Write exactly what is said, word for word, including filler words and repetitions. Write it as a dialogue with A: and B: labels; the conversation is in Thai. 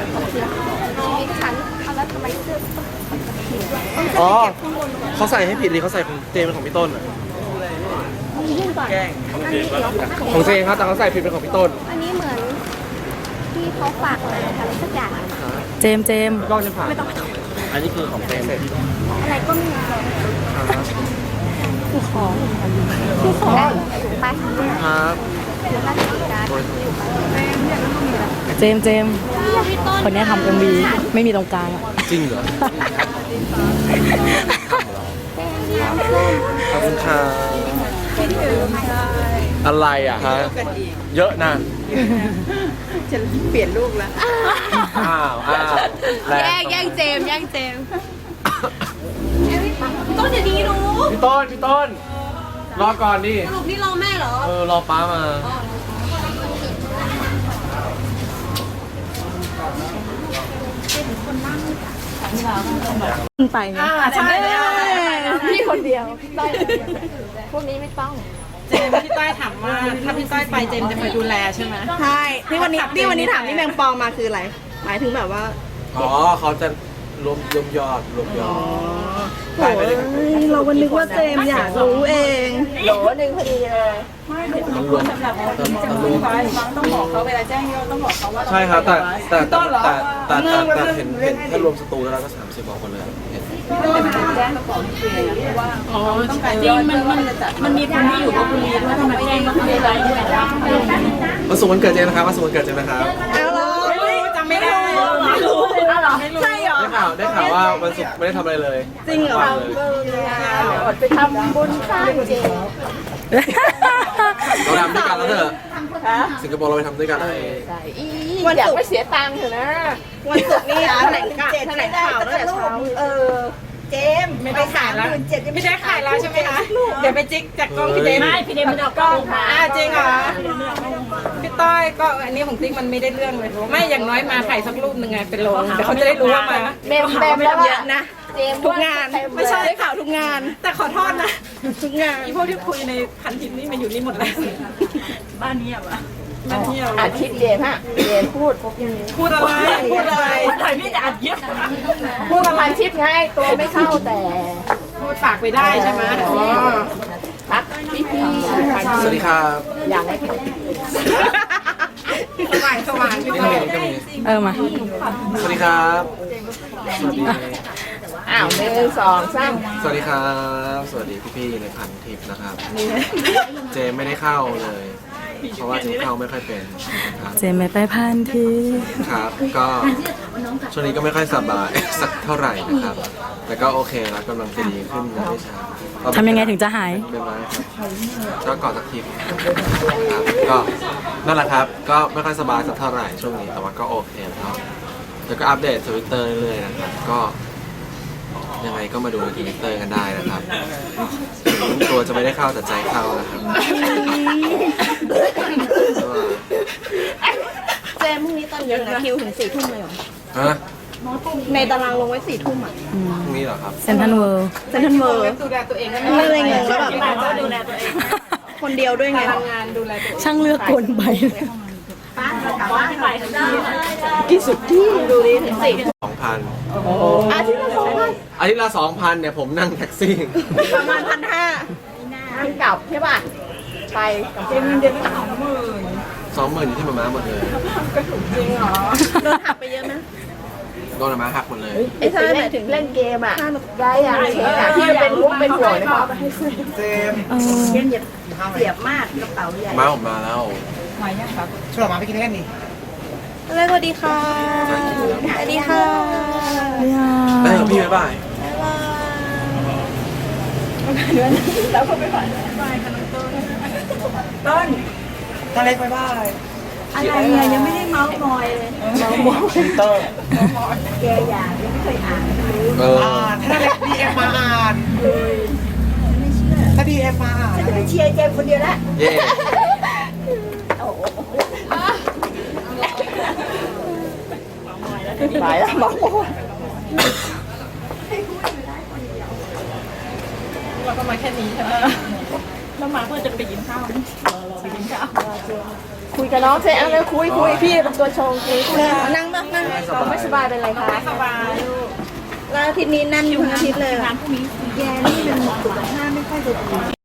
A: ฉันเอาแล้วทำไมเสื้อ
B: อ๋อเขาใส่ให้ผิดเลยเขาใส่ของเจเป็นของพี่ต้นอ่ะ
A: ยื่นก่อนอันนี้เดี๋ยว
B: ของเจครับแต่เขาใส่ผิดเป็นของพี่ต้น
A: อันนี้เหมือนที่เขาฝากมาทำสักอย่าง
C: เจมส์เจมส์
B: กล้องจะผ่าน
A: ไม่ต้องไม่ต้อง
B: อันนี้คือของเจเสร็จ
A: อะไรก็ไม่รู้
C: คือของ
A: คือของได้ถูกปะ
B: ครับ
A: ถือมาถือการดอยู่ปะ
C: เจมส์เจมส์คนเนี้ยทำเอ็มวีไม่มีตรงกลางอะ
B: จริงเหรอขอบคุณครับอะไรอ่ะฮะเยอะนะ
D: จะเปลี่ยนลูกแล้ว
B: อ้าวอ้าวแรง
D: แย่งแย่งเจมส์แย่งเจมส์
A: ต้นเดี๋ยวนี้รู้
B: พี่ต้นพี่ต้นรอก่อนดิ
D: สรุปนี่รอแม่เหรอ
B: เออรอป้ามา
C: ขึ้นไปไง
D: ใช่เลย
A: พี่คนเดียวพี่ต้อยคนเดียวพวกนี้ไม่ต้อง
E: เจมส์พี่ต้อยถามว่าถ้าพี่ต้อยไปเจมส์จะไปดูแลใช่ไหม
D: ใช่ที่วันนี้ที่วันนี้ถามที่แมงปองมาคืออะไร หมายถึงแบบว่า
B: อ๋อเขาจะรวมรวมยอดรวมยอด
D: โอ้ยเราวันนึกว่าเจมส์อยากรู้เอง
A: โหลหนึ่งพอดีเลย
B: มันรวมแต่รวม
E: ต้องบอกเขาเวลาแจ้งยอดต้องบอกเขาว่า
B: ใช่ครับแต่แต่แต่แต่แต่แต่แต่เห็นเห็นถ้ารวมสตูแล้วก็สามสิบบอกคนเลยเห็น
E: อ๋อจริงมันมันมันมีคนที่อยู่กับคุณลีด้วยทำไมแจ้งว่าคุณลีไลฟ์ด้วย
B: วันศุกร์วันเกิดเจนนะครับวันศุกร์วันเกิดเจนนะครับ
D: เอาเหรอ
E: จำไม่ได้
D: ไม่รู้ใช่เหรอ
B: ได้ข่าวได้ข่าวว่าวันศุกร์ไม่ได้ทำอะไรเลย
D: จริงเหรอ
B: วันเลย
A: อดไปทำบุญสร้างเจ
B: เราทำด้วยกันแล้วเถอะสิงคโปร์เราไปทำด้วยกันเลย
A: วันอยากไม่เสียตังค์เถอะนะ
D: วันศุกร์นี่แถลงข่าวแถลงข่าวตั้งแต่เช้าเออ เจมส์
E: ไม่ได้ขายแล้วไม่ได้ขายแล้วใช่ไหมคะเดี๋ยวไปจิกจากกล้องพี่เจมไม่พี่เจมไม่ได้กล้องค่ะอ่าจริงเหรอพี่ต้อยก็อันนี้ของติ๊กมันไม่ได้เรื่องเลยไม่อย่างน้อยมาถ่ายสักรูปหนึ่งไงเป็นโลเดี๋ยวเขาจะได้รู้ว่ามา
A: เมมเต็มแล้ว
D: เยอะนะ
A: เจม
D: ทุกงานไม่ใช่ได้ข่าวทุกงาน
E: แต่ขอโทษนะ
D: ทุกงาน
E: อีพวกที่คุยในพันทิปนี่มันอยู่นี่หมดแล้วบ้านนี้อะวะบ้านนี้อะ
A: อาทิตย์เจมฮะเจมพูด
E: พูดอะไรพูดอะไรถ่ายไม่ได้อัดเย็บ
A: พูดประมาณชิปไงตัวไม่เข้าแต่
E: พูดฝากไปได้ใช่ไหมอ๋อ
A: พักพี่พี่
B: สวัสดีครับ
A: อย่างไร
E: สว่างสว่างพี่
B: นี่
E: ต้
B: ก็
E: อย
B: มีก็มี
C: เออมา
B: สวัสดีครับสวัสดี
A: อ้าวหนึ่งสองสาม
B: สวัสดีครับ สวัสดีพี่ๆในพันทิปนะครับ เจมไม่ได้เข้าเลย เพราะว่าเจมเข้าไม่ค่อยเป็นนะครับ
C: เจมส์ไม่ไปพันที
B: ครับ ก็ช่วงนี้ก็ไม่ค่อยสบาย สักเท่าไหร่นะครับ แต่ก็โอเคแล้วกำลังจะดีขึ้นนะไม่ช้า
C: ทำยังไงถึงจะหาย
B: เป็นไรครับก็กอดสักทีครับก็นั่นแหละครับ ก็ไม่ค่อยสบายสักเท่าไหร่ช่วงนี้แต่ว่าก็โอเคแล้วแล้วก็อัปเดตทวิตเตอร์เรื่อยๆนะครับก็ยังไงก็มาดูในทวิตเตอร์กันได้นะครับถึงตัวจะไม่ได้เข้าแต่ใจเข้านะครับ
D: เจมส์พรุ่งนี้ตอนเย็นนะคิวถึงสี่ทุ่มเลยเหรอ
B: ฮะ
D: ในตารางลงไว้สี่ทุ่มอ่ะ
B: พรุ่งนี้เหรอครับ
C: เซนทันเวิลด์
D: เซนทรัลเวิร์
E: ดูแลตัวเองก็
D: ไม่เลยงงแล้วแบบ
E: ก็ดูแลตัวเอง
D: คนเดียวด้วยไง
E: ทำงานดูแลตัวเอง
C: ช่างเลือกกลไป
D: กี่สุดที่ดูดิถึงสี่
B: สองพัน
A: อาทิตย์ละสองพัน
B: อาทิตย์ละสองพันเนี่ยผมนั่งแท็กซี่
D: ประมาณพันห้า
A: นั่งกลับใช่ป่ะไปกับเจม
E: เดือนละสองหมื่น
B: สองหมื่นอยู่ที่มาม่าหมดเลย
D: โดนหักไปเยอะไหม
B: โดนมาม่าหักหมดเลย
A: ไอ้ที่เล่นถึงเล่นเกมอ่ะได้อะเช็คอะที่มันเป็นมุกเป็นหัวนะครับ
B: เจม
C: เออ
D: เย็บเสียบมากกระเป๋าใหญ่
B: มาผมมาแล้ว
E: ฉลองมาไปกินกันนี่
D: อะไรสวัสดีค่ะสวัสดีค่ะ
B: ได้ครับพี่บ๊ายบาย
E: ต้นทะเล็กไปบ้าย
D: อะไรเนี่ยยังไม่ได้เมาส์มอยเลย
B: ทวิตเตอร์
D: แกอยากยังไม่เคยอ่าน
B: เออ
E: ถ้าเล็กดีเอ็มมาอ่านถ้าดีเอ็มมาอ่าน
D: ฉันจะไปเชียร์เจมคนเดียวละ
B: เย่
A: ไปแล้วบอก
E: เราก็มาแค่นี้ใช่ไหมแล้วมาเพื่อจะไปกินข้าวรอไปกินข้าว
A: คุยกับน้องเซเอาเลยคุยคุยพี่เป็นตัวชงคุยคุย
D: นั่งนั่งนั่ง
B: สบาย
A: ไม่สบายเป็นไรคะ
E: ไม่สบาย
D: แล้วอาทิตย์นี้แน่นอยู่ทั้งอาทิตย์เลยแย่นี่มันสุขภาพไม่ค่อยจะดี